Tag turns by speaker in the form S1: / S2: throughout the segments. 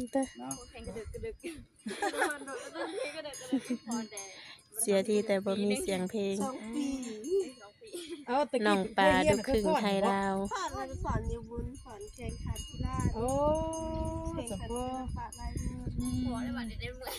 S1: เสียทีแต่บ่มีเสียงเพลง
S2: 2 ปี
S1: น้องปลาดูครึ่งไทยลาว
S2: สอนอยู่บุญสอนแข่งขันกีฬาโอ้สมบูรณ์ฝากลายมือหัวได้บัดได้เมื่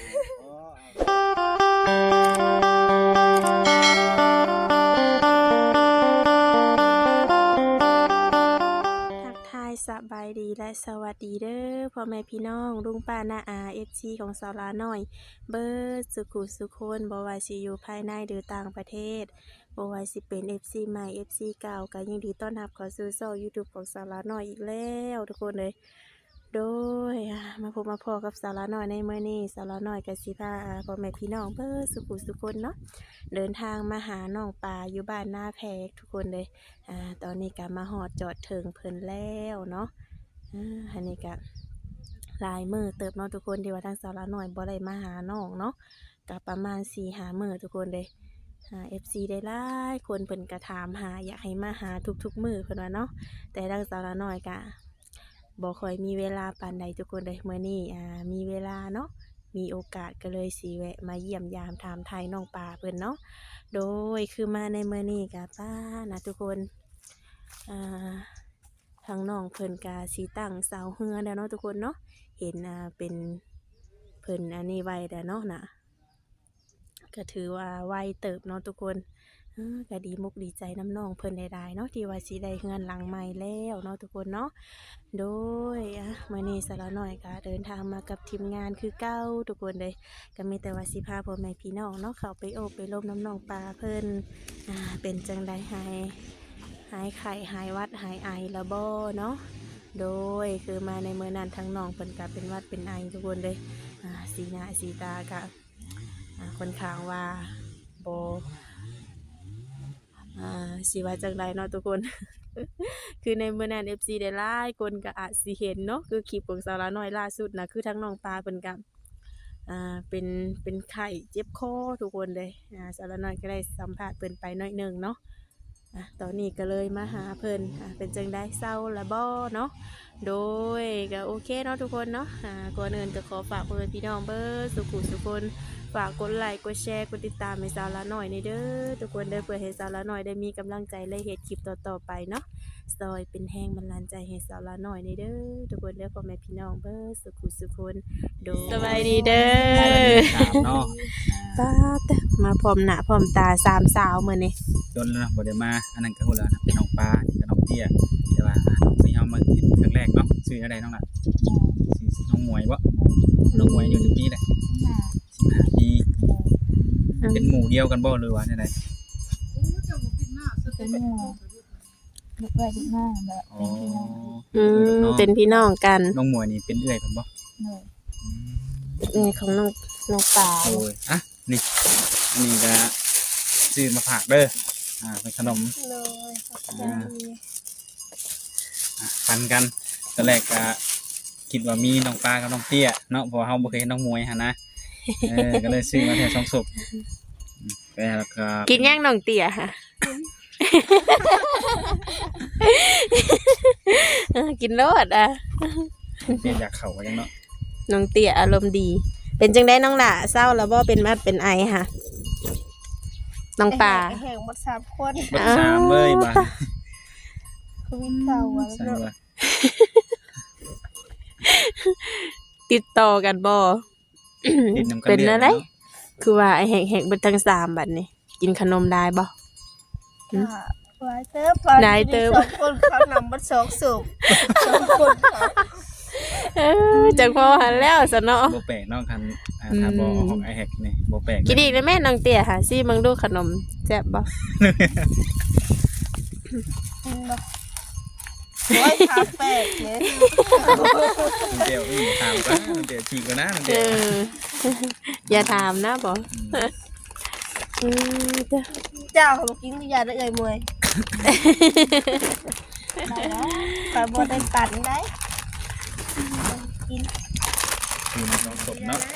S2: อทักทายสบายดีและสวัสดีเด้อพ่อแม่พี่น้องลุงป้าน้าอา FC ของสาวลาน้อยเบิดสุขุสุคนบ่ว่าสิอยู่ภายในหรือต่างประเทศบ่ว่าสิเป็น FC ใหม่ FC เก่าก็ยินดีต้อนรับเข้าสู่ช่อง YouTube ของสาวลาน้อยอีกแล้วทุกคนเลยโดยมาพบมาพอกับสาวลาน้อยในมื้อนี้สาวลาน้อยก็สิพาพ่อแม่พี่น้องเบิดสุขุสุคนเนาะเดินทางมาหาน้องปลาอยู่บ้านหน้าแพกทุกคนเลยตอนนี้ก็มาฮอดจอดถึงเพิ่นแล้วเนาะอันนี้ก็หลายมื้อเติบเนาะทุกคนที่ว่าทางสาวลาน้อยบ่ได้มาหาน้องเนาะก็ประมาณ 4-5 มื้อทุกคนเลยFC ได้หลายคนเพิ่นก็ถามหาอยากให้มาหาทุกๆมื้อเพิ่นว่าเนาะแต่ทางสาวลาน้อยก็บ่ค่อยมีเวลาปานใดทุกคนเลยมื้อนี้มีเวลาเนาะมีโอกาสก็เลยสิแวะมาเยี่ยมยามถามไทยน้องปลาเพิ่นเนาะโดยคือมาในมื้อนี้ก็ป้านะทุกคนทางน้องเพิ่นก็สิตั้งเสาเฮือแล้วเนาะทุกคนเนาะเห็นเป็นเพิ่นอันนี้ไว้แล้วเนาะน่ะก็ถือว่าไวเติบเนาะทุกคนก็ดีมุกดีใจน้ำน้องเพิ่นได้เนาะที่ว่าสิได้เฮือนหลังใหม่แล้วเนาะทุกคนเนาะโดยมื้อนี้สาวน้อยก็เดินทางมากับทีมงานคือเก่าทุกคนเลยก็มีแต่ว่าสิพาพ่อแม่พี่น้องเนาะเข้าไปโอบไปร่มน้ำน้องปลาเพิ่นเป็นจังได๋หายไข้หายวัดหายไอละบ่เนาะโดยคือมาในมื้อนั้นทั้งน้องเพิ่นก็เป็นวัดเป็นไอทุกคนเลยสีหน้าสีตาก็ค่อนข้างว่าบ่สิว่าจังไดเนาะทุกคน คือในมื้อนั้น FC ได้หลายคนก็อาจสิเห็นเนาะคือคลิปของสาวลาน้อยล่าสุดนะคือทั้งน้องปลาเพิ่นก็เป็นไข้เจ็บคอทุกคนเลยสาวลาน้อยก็ได้สัมภาษณ์เพิ่นไปหน่อยนึงเนาะตอนนี้ก็เลยมาหาเพิ่นเป็นจังได๋เศร้าละบ่เนาะโดยก็โอเคเนาะทุกคนเนาะก่อนอื่นก็ขอฝากพ่อแม่พี่น้องเบิดสุขุสุคนฝากกดไลค์กดแชร์กดติดตามให้สาวลาน้อยในเด้อทุกคนเด้อเพื่อให้สาวลาน้อยได้มีกำลังใจและเฮ็ดคลิปต่อๆไปเนาะซอยเป็นแห้งบันดาลใจให้สาวลาน้อยในเด้อทุกคนเด้อพ่อแม่พี่น้องเบิดสุขุสุคนโดยสบายดีเด้อเนาะป้ามาพร้อมหน้าพร้อมตาสามสาวมื้อนี้
S3: จนแล้วนะบ่ได้มาอันนั้นก็ฮู้แล้วนะเป็นน้องปลานี่ก็น้องเตี้ยแต่ว่าน้องที่เฮามาเห็นครั้งแรกเนาะชื่ออะไรน้องล่ะชื่อน้องหมวยบ่น้องหมวยอยู่จังปีแหละ15 ปีเป็นหมู่เดียวกันบ่หรือว่าจังได๋
S4: เป็นหมู่ลูกไว้ลูกหน้าแบบ
S1: เป็นพี่น้องกัน
S3: น้องหมวยนี่เป็นเอื้อยเพิ่นบ่
S1: เป็นของน้องปลา
S3: โอ้ยนี่อันนี้ก็ซื้อมาฝากเด้อเป็นขนมปันกันตอนแรกก็คิดว่ามีน้องปลากับน้องเตี้ยเนาะเพราะเฮาบ่เคยเห็นน้องมวยหั่นนะก็เลยซื้อมาแค่2ศพแล้วก็
S1: กินย่างน้องเตี้ยค่ะกินโลด
S3: เตี้ยอยากเข้าว่าจังเนาะ
S1: น้องเตี้ยอารมณ์ดีเป็นจังได๋น้องล่ะเศร้าแล้วบ่เป็นมัดเป็นไอค่ะน้องปลา
S2: แห่งหมด3คน
S3: หมด3เลยบาด
S2: โควิดเก่าแล้ว
S1: ติดต่อกันบ่เป็นอะไรคือว่าไอ้แหกๆเบิดทั้ง3บัดนี้กินขนมได้บ่
S2: ได้เติบ2คนเขานำบัด2สูบ2คน
S1: จังพอหันแล้วซะเนาะ
S3: บ่แปลกเนาะคันถ้าบ่ของไอ้แฮกนี่บ่แปลก
S1: กินอีกแล้วแม่น้องเตี้ยค่ะซิมึงดูขนมแซ่บบ่
S2: โอ้ยถามแปลกเนี่ย
S3: เดี๋ยวถามกันเดี๋ยวฉีกกันนะเดี๋ยว
S1: อย่าถามนะบ่
S2: เจ้าเขากินยาได้เลยมวยไปบ่ได้ปั่นได้กิน
S3: น้องสมเนาะ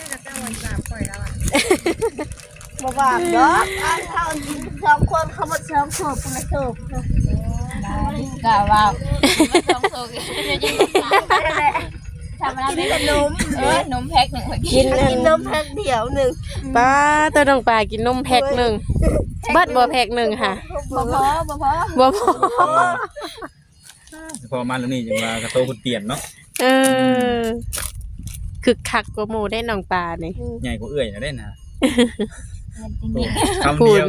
S2: บ่บาปเนาะเขากิน2คนเขาบ่2ศพคนละศพ
S4: กะว่า
S2: 2ศพ
S4: ทำอะไรเป็นนมนมแพ็คหนึ่ง
S2: กินนมแพ็คเดียวหนึ่ง
S1: ป้าตัวน้องปลากินนมแพ็คหนึ่งเบิดบ่แพ็คหนึ่งค่ะ
S4: บ่พอ
S1: บ่พอ
S3: พอมาแล้วนี่จังว่ากระโตคุณเปลี่ยนเนาะ
S1: เออคึกคักกว่าหมู่ได้น้องปลานี่
S3: ใหญ่กว่าเอื้อยนะได้นะ
S4: จริง
S3: คำเดียว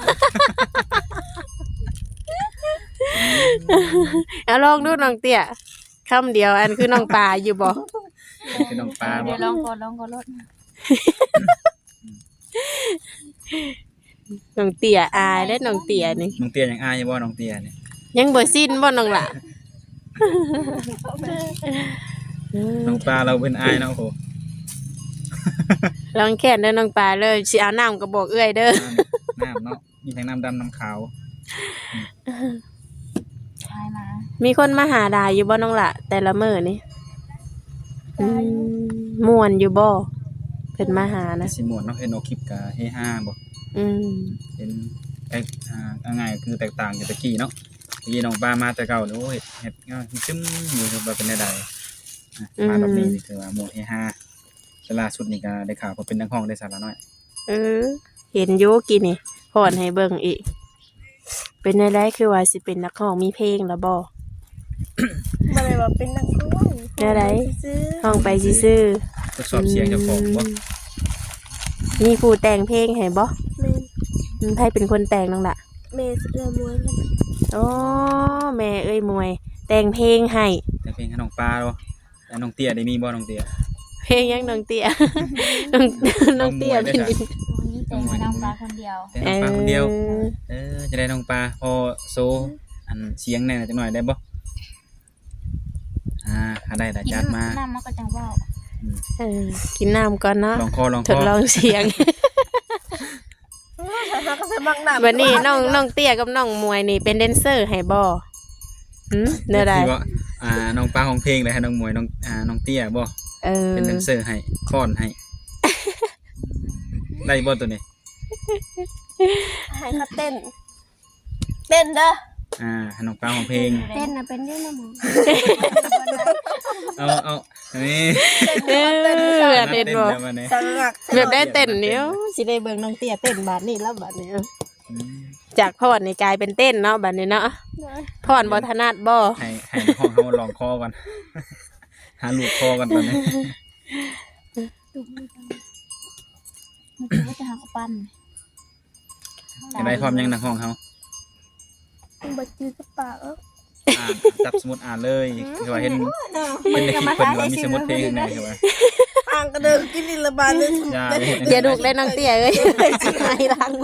S1: เอาลองดูน้องเตี้ยคำเดียวอันคือน้องปลาอยู่บ่
S3: คือน้องปลา
S4: ๆ
S3: บ่
S4: เดี๋ยวลองก่อนรถ
S1: น้องเตี้ยอายได้น้องเตี้ยนี่
S3: น้องเตี้ยยังอายอยู่บ่น้องเตี้ยเนี่ย
S1: ยังบ่สิ้นบ่น้องล่ะ
S3: น้องปลาเราเป็นอายเนาะโอ้โห
S1: ลองแค่นเด้อน้องปลาเลยสิเอาน้ำก็บอกเอื้อยเด้อ
S3: น้ำเนาะมีทั้งน้ำดำน้ำขาว
S4: ชายมา
S1: มีคนมาหาดาอยู่บ่น้องล่ะแต่ละมื้อนี่ม่วนอยู่บ่เพิ่นมาหานะ
S3: สิหมวดเนาะเห็นเอาคลิปกับเฮฮาบ่
S1: อืม
S3: เห็นง่ายๆคือแตกต่างจากตะกี้เนาะตะกี้น้องปลามาแต่เก่าโอ้ยเฮ็ดงานซึมอยู่แบบเป็นใดๆมาแบบนี้นี่คือว่าหมวดเฮฮาล่าสุดนี่ก็ได้ข่าวว่าเป็นนักร้องได้สาระน้อย
S1: เห็นอยู่กินนี่พอนให้เบิ่งอีก เป็นได้ได้คือว่าสิเป็นนักร้องมีเพลงแล้วบ่
S2: บ่ได้ว่าเป็นนักร้อง
S1: ได้ได
S2: ซื้อ
S1: ห้องไปซื่อ
S3: ทดสอบเสียงเจ้าของบ่
S1: มีผู้แต่งเพลงให้บ่
S2: แม่
S1: ใครเป็นคนแต่งน้องล่ะ
S2: แม่สิเรือมวยมัน
S1: อ๋อแม่เอ้ยมวย แต่งเพลงให้
S3: แต่เพลงให้น้องปลาบ่แล้วน้องเตี้ยได้มีบ่น้องเตี้ย
S1: เพลงยังน้องเตี้ย น้องเตี้ยเป็น
S4: วันนี้แต่งน้องปลาคนเดียว
S3: แต่น้องปลาคนเดียวจะได้น้องปลาพอโซอันเสียงแน่จังหน่อยได้บ่ถ้าได้จัดมา
S4: น้ำมันก็จังว่า
S1: กินน้ำก่อนเนาะ
S3: ลองคอลอง
S1: ท
S3: ค
S1: ด
S3: อ
S1: ลองเสียง
S2: เขาก็ใส่บักหนา
S1: วันนี้น้องเตี้ยกับน้องมวยนี่เป็นแดนเซอร์ให้บ่เด้อได้
S3: ที่ว่าน้องปลาของเพลงเลยให้น้องมวยน้องเตี้ยบ่ เป็นแดนเซอร์ให้ค้อนให้ ได้บ่ตัวนี้
S2: ให้เขาเต้นเต้นเด้อ
S3: ให้น้องปลาของเพลง
S2: เต้นน่ะเป็นเรื่องนะหมอ
S3: เอาอันนี้
S1: เต้นบ่
S3: แล้วมาเนี่ย
S2: สังหัก
S1: แบบได้เต้นเนี้ยสิได้เบิ่งน้องเตี้ยเต้นบาดนี้แล้วบาดนี้จากพอดนี่กลายเป็นเต้นเนาะบาดนี้เนาะพอดบ่ถนัดบ่
S3: ให้ห้องเขาลองคอก่อน หาลูกคอกันตอนนี้
S4: มันคือว่าจะหาปั้น
S3: จะได้พร้อมยังนักห้องเขา
S2: บ่จื้อกระเป๋า
S3: จับสมุดอ่านเลยคือว่าเห็นในคลิปเพิ่นว่ามีสมุดเพลงในคือว่า
S2: ห่างกระเดินกินนี่ละบาดเลย
S1: อย่าดุได้น้องเตี้ยเอ้ยสิหายรังเลย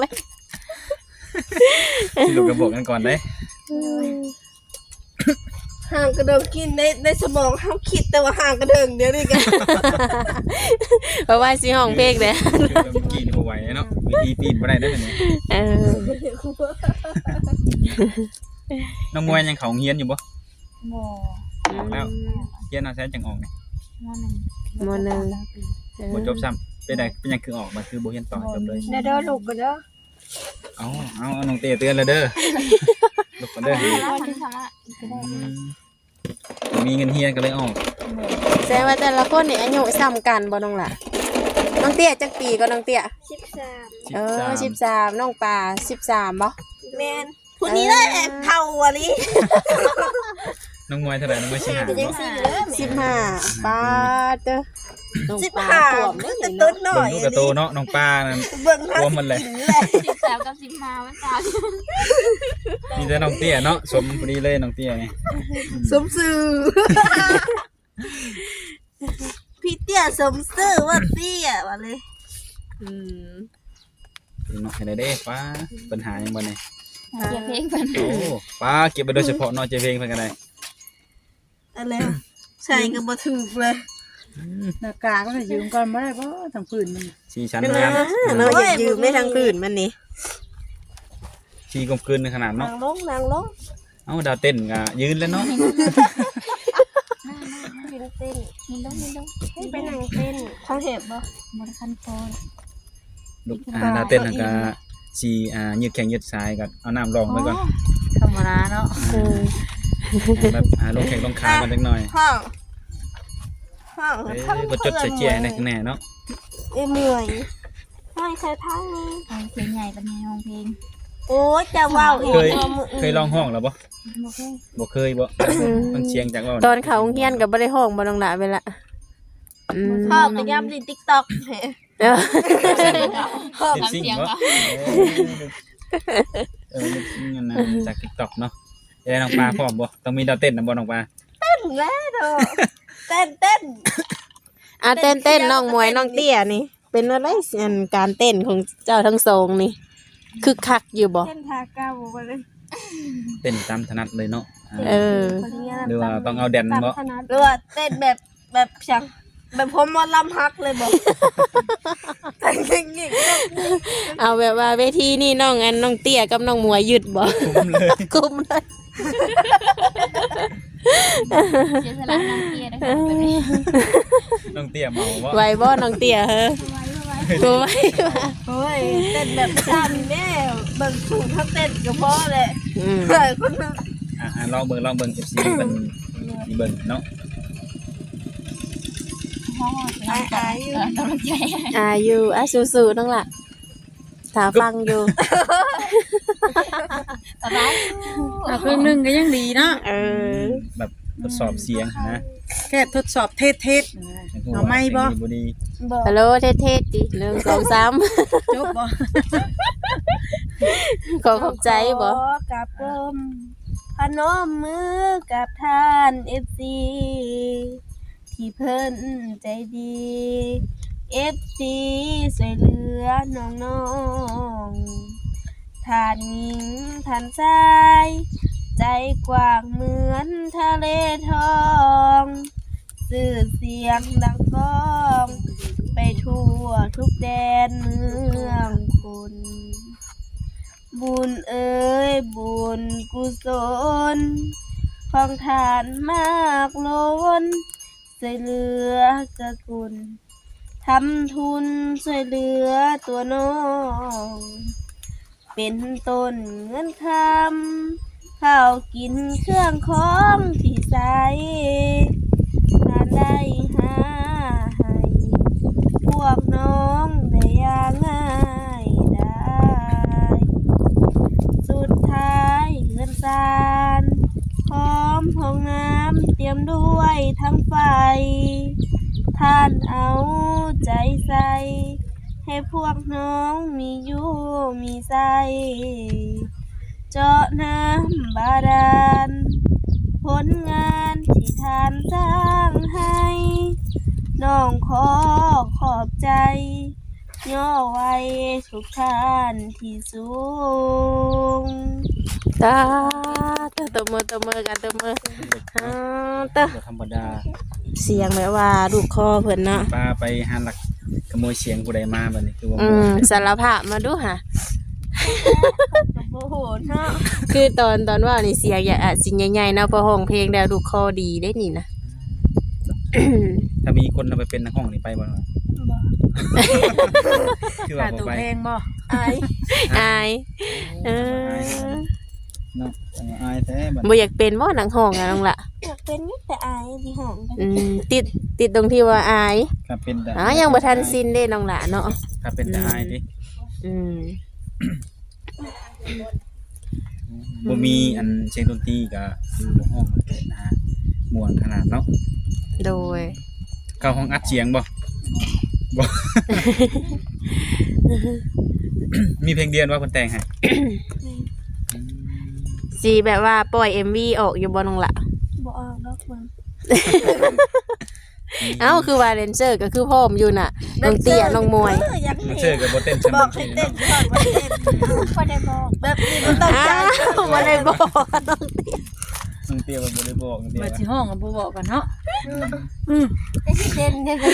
S3: สิลูกกระบอกกันก่อนเด้
S2: ห่างกระเดินกินในสมองเฮาคิดแต่ว่าห่างกระเดินเดี๋ยวนี้กัน
S1: เพราะว่าสิห้องเพลงเด้
S3: คือเมื่อกี้นี่บ่ไหวเนาะวิธีปีนบ่ได้เด้อนี่น้องมวยยังเขาเฮียนอยู่บ่
S4: โม
S3: ออกแล้วเฮียนเอาแซ่จังออกนี่
S1: มหนึ่ง
S3: บ่จบซ้ำเป็นยังคือออกมาคือบ่เฮียนต่อจบเลย
S2: เด้อลูกกันเด้อ
S3: เอาน้องเต้เตือนแล้วเด้อลูกกันเด้อ
S4: แล้วคนที่ทำอ่ะก็ได้
S3: มีเงินเฮียนก็เลยออก
S1: แสดงว่าแต่ละคนนี่อายุซ้ำกันบ่น้องล่ะน้องเตี้ยจักปีก็น้องเตี้ย
S2: 13
S1: 13น้องปลา13บ่
S2: แม่นผู้นี้ได้เท่าอ่ะลิ
S3: น้องมวยเท่าไหร่น้องมวยสิหา
S2: เป็นจัง
S3: เนาะ
S2: ซี่เด้อ
S1: 15ปาดเด้อน้องปลา
S2: 15
S1: ถ่วม
S2: มัน
S1: เด้
S2: จะ
S1: อ
S2: ต้นหน่อย
S3: ลูกกระโตเนาะน้องปลานั่น
S2: เบิ่ง
S3: รวมมันเลย
S4: 13กับ15มันต่าง
S3: มีแต่น้องเตี้ยเนาะสมพอดีเลยน้องเตี้ยนี่
S2: สมซื่อพี่เตี้ยสมซื่อว่าเตี้ยว่าเลย
S3: เนาะให้ได้เด้ป้าปัญหายังบ่นี่
S4: เก็บเพลงกัน
S3: โอ้ป้าเก็บไปโดยเฉพาะเนาะเจเพลงเพิ่นก็ได้
S2: อะไรใช่ก็บ่ถูกเลย
S5: หน้ากากก็จะยืมก่อนไม่ได้เพราะทั้งผืนมัน
S3: สีชั้นงาม
S1: เนาะอย่ายืมไม่ทางพื้นมันนี่
S3: สีกลมกลืนขนาด
S2: นา
S3: เนาะ
S2: งลงนางลง
S3: เอ้าดาวเต้นก็ยืนแล้วเนาะ
S2: ยืนเต้น
S4: มินลง
S2: ให้ไปนั่งเต้นเขาเห็บบ่
S4: มรคันโฟน
S3: ลูกดาวเต้นนั่นก็สียืดแข้งยืดซ้ายก็เอาน้ำรองไว้ก่อน
S5: ธรรมดาเนาะ
S3: แบบลงแข้งลงขากันจักหน่อย
S2: พ่อห้อง
S3: บ่จดใส่เจียในข้างหน้าเนาะ
S2: เมื่อยห้อยใส่ทั้งนี้
S4: ห้องเพลงใหญ่เป็นไงห้องเพลง
S2: โอ้ยจะว้าวอีก
S3: เคยลองห้องแล้วบ่
S4: บ่เคย
S3: บ่เคยบ่มันเสียงจากว่า
S1: ตอนเขาโรงเรียนก็บ่ได้ห้องบ่น้องหละเวลาอืม
S2: พ่อไปย่ำใน TikTok
S1: เออ
S3: เป็นสิ่งบ่เป็นสิ่งนั่นนะจาก TikTok เนาะได้น้องปลาพร้อมบ่ต้องมีดาวเต้นนำบ่น้องปลา
S2: แม่เถอะเต้น
S1: อ่ะเต้นน้องมวยน้องเตี้ยนี่ เป็นอะไรอันการเต้นของเจ้าทั้งสองนี่คึกคักอยู่บ่
S2: เต้นทาก้าวไปเลย
S3: เต้นตามถนัดเลยเนาะ
S1: เออ
S3: หรือว่าต้องเอาแดนบ่
S2: หรือว่าเต้นแบบช่างแบบผมมาลำฮักเลยบอกแต่งอย่างนี้
S1: เอาแบบว่าเวทีนี่น้องเตี้ยกับน้องมวยหยุดบ่
S3: คุ้มเลย
S1: กุมเลย
S4: เสียสละน้ำเกียร์นะคะแบบนี้
S3: น้องเตี้ยเมาบ่
S1: ไหวบ่น้องเตี้ยเฮ้อไหว
S2: โอ้ยเต้นแบบซ้ำแม่เบิ่งสูงเขาเต้นก็พอเลย
S1: อืม
S2: เฮ้ยคนนึง
S3: ลองเบิ่ง FC เบิ่งมีเบิ่งเนาะ
S4: ห้องเป็นกำลังใจ
S1: อยู่สู้ๆน้องล่ะถ้าฟังอยู่
S4: ตอนนั้น
S5: ครึ่งหนึงก็ยังดีเนาะ
S1: เออ
S3: แบบทดสอบเสียงนะ
S5: แค่ทดสอบเทศ เอาไหมบ่
S3: บ่ดี
S2: บอก
S1: ฮัลโหลเท่ๆดิ1 2 3
S5: จบบ่
S1: ขอขอบใจบ่
S2: กับกลมพนมมือกับท่านFC ที่เพิ่นใจดี FC ช่วยเหลือน้องๆท่านหญิงท่านชายใจกว้างเหมือนทะเลทองสื่อเสียงดังก้องไปทั่วทุกแดนเมืองคุณบุญเอ๋ยบุญกุศลของทานมากล้นช่วยเหลือกะกุลทำทุนช่วยเหลือตัวน้องเป็นต้นเงินคำข้าวกินเครื่องของที่ใส่ทานได้หาให้พวกน้องได้อย่างง่ายได้สุดท้ายเงินสารพร้อมห้องน้ำเตรียมด้วยทั้งไฟท่านเอาใจใส่ให้พวกน้องมีอยู่มีใสเจาะน้ำบาดาลผลงานที่ท่านสร้างให้น้องขอขอบใจย่อไว้ทุกท่านที่สูง
S1: ตาตบมือกันตบมือตา
S3: บ่ธรรมดา
S1: เสียงแบบว่าลูกคอเพิ่นเนาะ
S3: ป้าไปหาหลักขโมยเสียงผู้ใดมาบัดนี้คือว่า
S1: สารภาพมาดูค่ะ
S2: โอ้โหเนาะ
S1: คือตอนว่านี่เสียงอย่าสิ่งใหญ่ๆเนาะพอห้องเพลงแล้วลูกคอดีได้นี่นะ
S3: ถ้ามีคนเอาไปเป็นนักห้องนี่ไปบ่เนาะคือว่า
S5: ขา
S3: บ่
S5: ตัว
S3: ไป
S5: เพลงบ่
S2: ไอ้
S1: อายเออ
S3: เนาะอายแท้บัด
S1: บ่อยากเป็นบ่หนังห้องอะน้องละ
S2: อยากเป็นแต่อายที่ห้องกัน
S1: ติดตรงที่ว่าอาย
S3: ครับเป็นแต่
S1: ยังบ่ทันสิ้นเด้น้องละเนาะ
S3: ครับเป็นแต่อายดิ
S1: อืม
S3: บ่มีอันเสียงดนตรีก็คือบ่ห้องเลยนะฮะม่วนขนาดเนาะ
S1: โดย
S3: เข้าห้องอัดเสียงบ่ บ่ มีเพลงเดียวว่าเพิ่นแต่งให้
S1: สิแบบว่าปล่อย MV ออกอยู่บ่น้องละ
S2: บ่ออกดอกมัน
S1: เอ้าคือว่าแดนเซอร์ก็คือพร้อมอยู่น่ะน้องเตี้ยน้องมวย
S2: อยาก
S3: มัน
S2: เห็
S3: เชื่อน กับบ่เต้นฉัน
S2: บอกให้เต้นก่อนว่าเต้น
S4: พอได้บอก
S2: แบบนี้มันต้องใจ
S1: บ่ได้บอกน้องเตี้ย
S3: น้องเตี้ยว่าบ่ได้บอกน้องเตี้ย
S5: มาสิห้องก็บ่บอกกันเนาะ
S4: ได้ที่เต้นได้ไป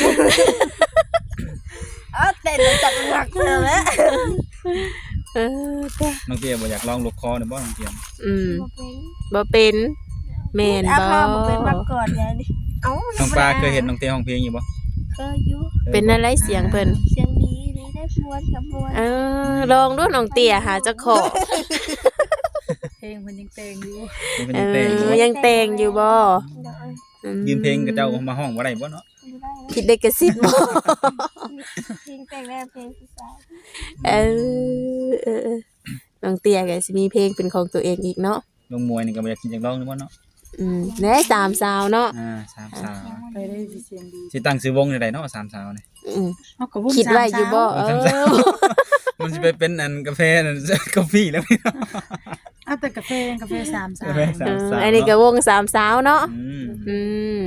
S2: เต้นแล้วจับหลักเลยแหละ
S1: เออจ้ะ
S3: น้องเตี้ยบ่อยากลองลูกคอเนี่ยบ่น้องเตี้ย
S1: อืม
S4: บ่เป็น
S1: บ่เป็นแม่น
S2: อา
S1: บ่
S2: ภาพเป็นมาก่อนยายนี่เอ้า
S3: น้องปลาเคยเห็นน้องเตี้ยร้องเพลงอยู่บ่
S2: เคยอยู่
S1: เป็นอะไรเสียงเพิ่น
S2: เสียงดีนี่ได้ม้วนกับม้วน
S1: ลองดูน้องเตี้ยหาเจ้าของ
S5: เพลงเพิ่นยังแต่งอยู่
S3: เพิ่นยังแต่งอยู่บ่
S1: ยังแต่งอยู่บ่
S3: ยืมเพลงกับเจ้ามาห้องบ่ได้บ่เนาะ
S2: ไ
S1: คิดได้กระซิบบ่
S4: เพลงแต่งแล้วเพลงผู้ชาย
S1: เออน้องเตี้ยก็สิมีเพลงเป็นของตัวเองอีกเนาะ
S3: ลงมวยนี่ก็บ่อยากกินจักร้องนึกว่าเนาะ
S1: แหน่สามสาวเนาะ
S3: สามสาว
S5: ไปได้สิเสียงดี
S3: สิตั้งชื่อวงจังไดเนาะสามสาวนี่
S1: อืม
S5: เฮาก็วง
S1: คิดไว้อยู่บ่
S5: สาม
S1: เอ
S5: สาว
S1: อ
S3: มันสิไปเป็นอันกาแฟนั่น กาแฟแล้วพี่เนาะ
S5: เอาแต่กาแฟสามสาว
S3: กาแฟสามสาว
S1: อันนี้ก็วงสามสาวเนาะ
S3: อืม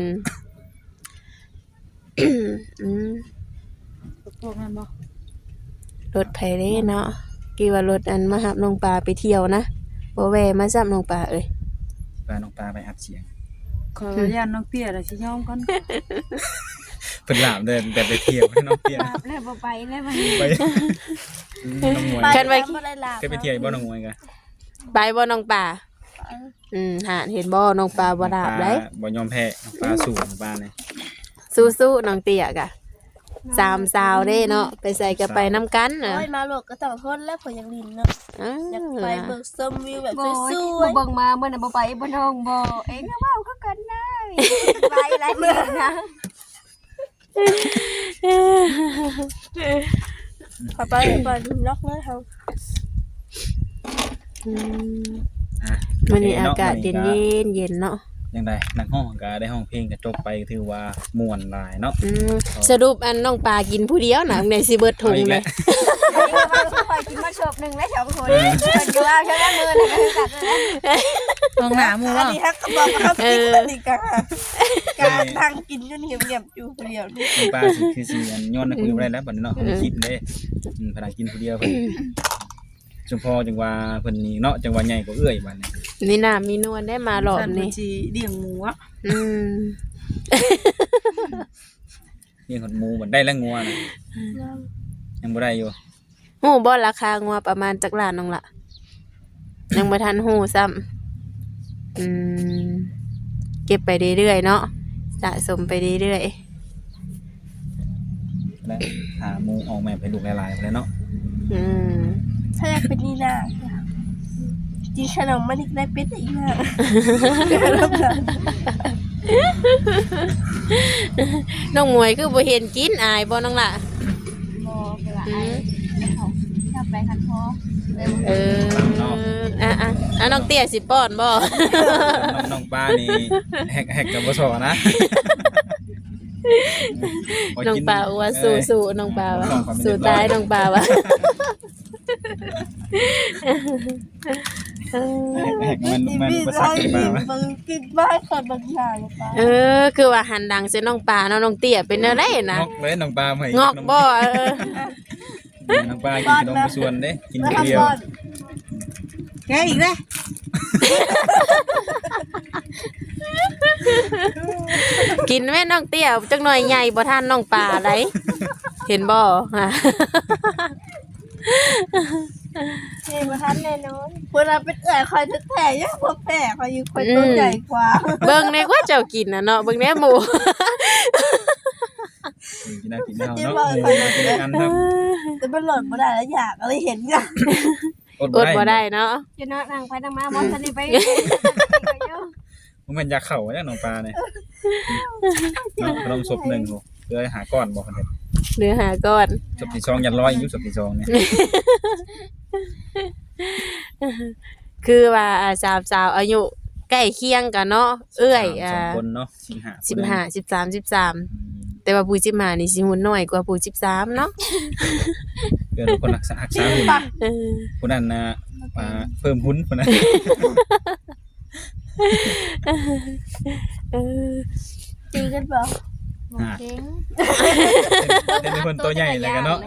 S1: อืม
S5: พวกนั้นบ่
S1: รถไผเด้เนาะกี่ว่ารถอันมาหับน้องปลาไปเที่ยวนะบ่แวะมาซับน้องปลาเอ้ย
S3: พาน้องปลาไปอัดเสียง
S5: ขออนุญาตน้องเตี้ยแล้วสิยอมก่อน
S3: เพิ่นลาบเดินแต่ไปเที่ยวให้น้องเตี้ย
S4: ลาบแล้วบ่ไปแล้วมัน
S3: ไปน้องมวย
S1: คันไว้
S4: บ่ได้ลาบ
S3: เคยไปเที่ยวบ่น้องมวยกะ
S1: ไปบ่น้องปลาหาเห็นบ่น้องปลาบ่ดาบได้
S3: บ่ยอมแพ้น้องปลาสู้น้องปลาเนี่ย
S1: สู้ๆน้องเตี้ยกะสามสาวเด้เนาะไปใส่ก็ไปนํกันน่ะ
S4: โอ้ยมาโลกก็ต้องทนแล้วเพิ่นยังลิ้นเนาะอยากไปเบิ่งชมวิวแบบสวยๆ
S6: เบิ่งมาเมื่อน่ะบ่ไปบ่น้องบ่เอ็งก็เว้าคือกันได้ไปหลายมื้อนะ
S4: ขอไปก่อนล็อกเลยเฮา
S3: อ่ะ
S1: มื้อนี้อากาศเย็นเย็นเนาะ
S3: ยังไดนักห้องก็ได้ห้องเพลงก็จบไปถือว่าม่วนหลายเนาะ
S1: สรุปอันน้องปลากินผู้เดียวน่ะในสิเบิดถุงเลย
S6: อันนี้ก็ว่าสิคอยกินมาชอบนึงแล้ว2คนเพิ่นก็ว่าเท่านั้นมื้อน่ะก็คือกันนั่นแหละ
S5: ตรงหน้าหมู่
S4: อัน
S5: บ่
S4: นี้ฮักก็บอกว่าเขากินคนนี้กันการนั่งกินจนเหี่ยวๆอยู่คนเดียวนี่
S3: น้องปลาสิคือสิอันย้อนให้คุยบ่ได้แล้วบัดนี้เนาะเพิ่นคิดเด้พนักกินผู้เดียวเพิ่นจุมพอจังว่าเพิ่นนี่เนาะจังว่าใหญ่กว่าเอื้อยบัดนี้
S1: มีน้ำมีนวลได้มารอบ
S5: ฉัน
S1: นี้
S5: สิเลี้ยงหมูอ่ะ
S1: อืม
S3: เลี้ยงหดหมูบัดได้แล้วงัวน่ะยังบ่ได้อยู่
S1: ฮู้บ่ราคางัวประมาณจักล้านน้องล่ะยังบ่ทันฮู้ซ้ำเก็บไปเรื่อยๆเนาะสะสมไปเรื่อย
S3: และหาหมูออกแม่ให้ลูกหลายๆพุ่นแหละเนาะ
S1: ๆอืม
S4: ถ้าอยากเป็นนี่นากินขนมมันอีกได้เป็นอีกนะ
S1: น้องหมวยคือบ่เห็นกินอายบ่น้องล่ะ
S6: บ่คือว่าไอ้เขาถ้าไปคันพอเลย
S1: เออน้องเตี้ยสิป้อนบ่
S3: น้องปลานี่แฮกกับบ่ซอนะ
S1: น้องปลาว่าสู้ๆน้องปลาว่าสู้ตายน้องปลาว่า
S3: แฮกมันภาษาขึ้นมาว่า
S4: บางกินบ้านคนบางอย่างหรือเปล่า
S1: คือว่าหันดังใส่น้องปลาเนาะน้องเตี้ยเป็นอะไรนะ
S3: งอกเลยน้องปลาให้
S1: งอกบ่
S3: น้องปลากินขนมส่วนเด้กิน
S4: แล้ว
S3: คนเดียว
S4: ทำก่อน
S5: แกอีกแล้ว
S1: กินแม่น้องเตี้ยจักหน่อยใหญ่บ่ทันน้องปลาไดเห็นบ่ฮะ
S4: นี่มาทันแน่นอนเวลาเป็นแผลคอยทึกแผลยังพอแผลคอยอยู่คนตัวใหญ่กว่า
S1: เบิ่งในว่าเจ้ากินน่ะเนาะเบิ่งแน่หมู
S3: กินได้กินได้เนาะหมูกินได้กันครับ
S4: แต่มันหล่นมาได้แล้วอยากอะไรเห็นกัน
S1: อดบ่ได้เนาะ
S6: จะเนาะนั่งไปนั่งมาบ่ทันได้ไป
S3: มันเป็นยาเข่าจังน้องปลาเนี่ยเนาะขนมศพ1โหเพื่อหาก้อนบ่คั่นเด้
S1: เนื้อหาก่อน
S3: ศพที่2ยัน100อยู่ศพที่2เนี่ย
S1: คือว่าสาวสาวอายุใกล้เคียงกันเนาะเอื้อย
S3: 2คนเนาะ15
S1: 15 13แต่ว่าผู้15นี่สิหุ่นน้อยกว่าผู้13เนาะ
S3: เพื่อนคนรักษาหุ่นผู้นั้นน่ะเพิ่มหุ้นพุ่นน่ะ
S4: ตีกันเปล่า
S6: เก่ง
S3: เป็นคนตัวใหญ่เลยกันเนาะ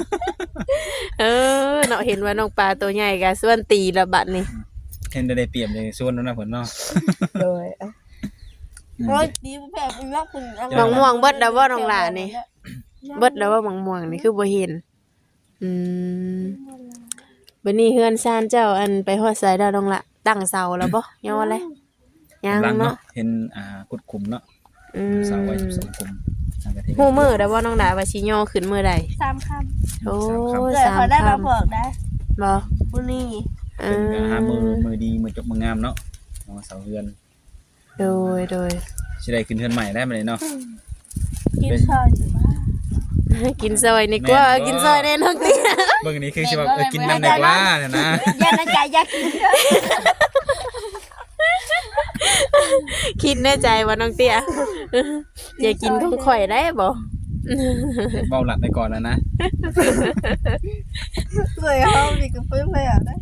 S1: เนาะเห็นว่าน้องปลาตัวใหญ่ก็ส่วนตีละบัดนี่
S3: เห็นได้เปรียบเลยส่วนนั้นนะเพิ่นเนาะ
S1: โดย
S4: โอ้ยตีแผลเป็นรักคุณ
S1: มังม่วงเบิดแล้วบ่น้องหล่านี่เบิดแล้วว่ามังม่วงนี่คือบ่เห็นบัดนี้เฮือนซานเจ้าอันไปฮอดไสแล้วน้องละตั้งเสาแล้วบ่ยอเลยยัง
S3: หลัง
S1: เนาะ
S3: เนาะเห็นกุดคุมเนาะเสาไว้2คุม
S1: ฮู้มื้อแล้วบ่น้องดาว่าสิย่อขึ้นมื้อใด
S4: 3 คำ
S1: โอ้
S4: เกิดเขาได้มาเบิกได้
S1: บ่
S4: ผู้นี้
S3: เป็นหามือดีมือจบมืองามเนาะเสาเฮือน
S1: โดย
S3: สิได้ขึ้นเฮือนใหม่ได้มาเลยเนาะ
S4: กินข้าวอยู่บ้าน
S1: กินซอยนี่กว่ากินซอยแน่น้องเตี้ย
S3: เบิ่งนี้คือสิว่ากินน้ำแดกว่าเนี่ยนะ
S6: อย่าในใจอยากกิน
S1: คิดในใจว่าน้องเตี้ยอย่ากินของข่อยได้บ่
S3: เบาหลัดไปก่อนแล้วนะ
S4: เลยเฮามีกับเพิ่นเลยอ่ะนะ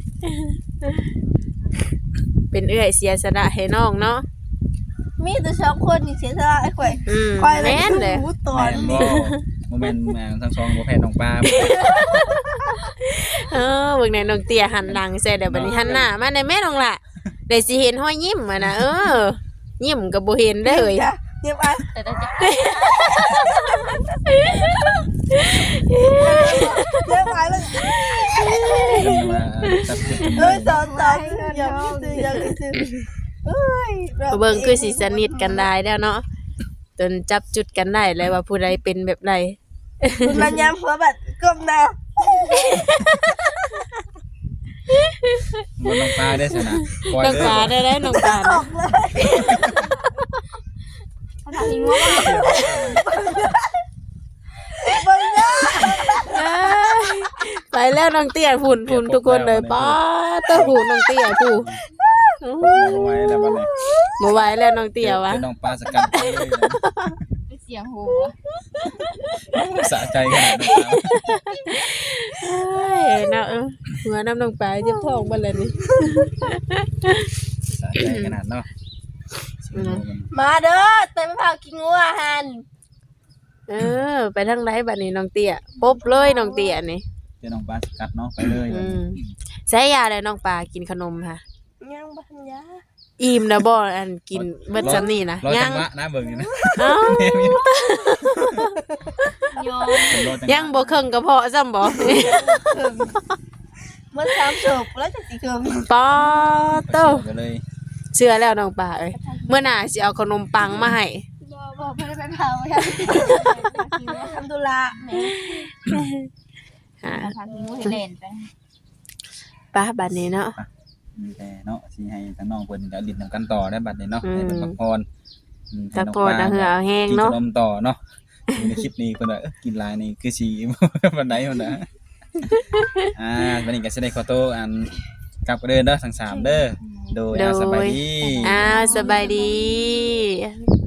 S1: เป็นเอื้อยเสียสละให้น้องเนาะ
S4: มีแต่สองคนนี่เสียสละไอ้ข่อย
S1: แม่นเลย
S4: รู้ตอ
S3: แม่
S4: น
S3: นบ่โมเมนต์ทั้งสองบ่แพ้น้องปลา
S1: เบิ่งในน้องเตี้ยหันหลังใส่เดี๋ยวบัดนี้หันหน้ามาในแม่น้องล่ะได้สิเห็นห้อยยิ้มอ่ะนะยิ้มก็บ่เห็นได้เลย
S4: จ้ะเยี่ยมอัน
S6: แต่จะ
S4: เยี่ยมอันเลย
S3: จับจุด
S4: ตอนอย่าซื้อเอ้ย
S1: เบิ่งคือสิสนิทกันได้แล้วเนาะจนจับจุดกันได้เลยว่าผู้ใดเป็นแบบใด
S4: มันยามหัวบัดก้มหน้า
S3: บนน้องปลาได้สนะปล่อย
S1: น้อง
S3: เลย
S1: ปลาได้ได้น้องปลา
S4: อ
S1: นะ
S4: อกเลย
S6: ทำทิ้งว่า
S4: เบิ่งหน้า
S1: เอ้ยไปแล้วน้องเตี้ยฝุ่นทุกคนเลยป้าเต้าหูน้องเตี้ยผู้
S3: เอาไว้แล้วบัดนี้
S1: บ่ไหวแล้วน้องเตี้ยวะ
S3: เป็นน้องปลาสกัดไปเลยนะ
S6: เสียงหู
S3: สะใจขนาดนั้นครับ
S1: เอ้ยเนาะหัวน้ำน้องปลาเจ็บท้องบ่เลยนี่
S3: สะใจขนาดเนาะ
S4: มาเด้อเต็มผักกินงัวหัน
S1: ไปทางไหนบัดนี้น้องเตี้ยปุ๊บเลยน้องเตี้ยนี่
S3: เป็นน้องปลาสกัดเนาะไปเลย
S1: ใช้ยาแล้วน้องปลากินขนมค่ะ
S4: ยังบ่ทันยา
S1: อิ่มนะบ่อันกินเบิดซ้ำนี่นะ
S3: รอ
S1: ยั
S3: จั
S1: ง
S3: งหวะนะเบิ่งนี่นะ
S1: เอ้า
S6: โย
S3: รอจังหวะ
S1: ยังบ่เครื่องกระเพาะซ้ำบ่
S4: มัน3ศพแล้วจังสิเคิม
S1: ป้าโต
S3: ไปเลย
S1: เชื่อแล้วน้องปลาเอ้ยเมื่อหน้าสิเอาขนมปังมาให้
S6: บอกไม่ได้ไปเผาใช่
S4: ทำธุระแหม
S1: หา
S6: ทำทิ้งว่าเล่นไป
S1: ป้าบัดนี้เนาะ
S3: มีแต่เนาะสิให้ทั้งน้องเพิ่นเดี๋ยวดินนำกันต่อได้บัดนี้เนาะ
S1: อืม
S3: ให้เพิ่นพักผ่อนให้
S1: ตะ
S3: น้อง
S1: โก
S3: ป
S1: น
S3: ลา
S1: เอาเหือเอาแห้ง
S3: กิน
S1: เนาะ
S3: ขนมต่อเนาะอยู่ในคลิปนี้เพิ่นว่ากินหลายนี่คือสิ วันไหนพุ่นน่ะวันนี้ก็สิได้ขอโทษอันกลับกันเด้อทั้งสามเด้อโดยสบายดี
S1: สบายดี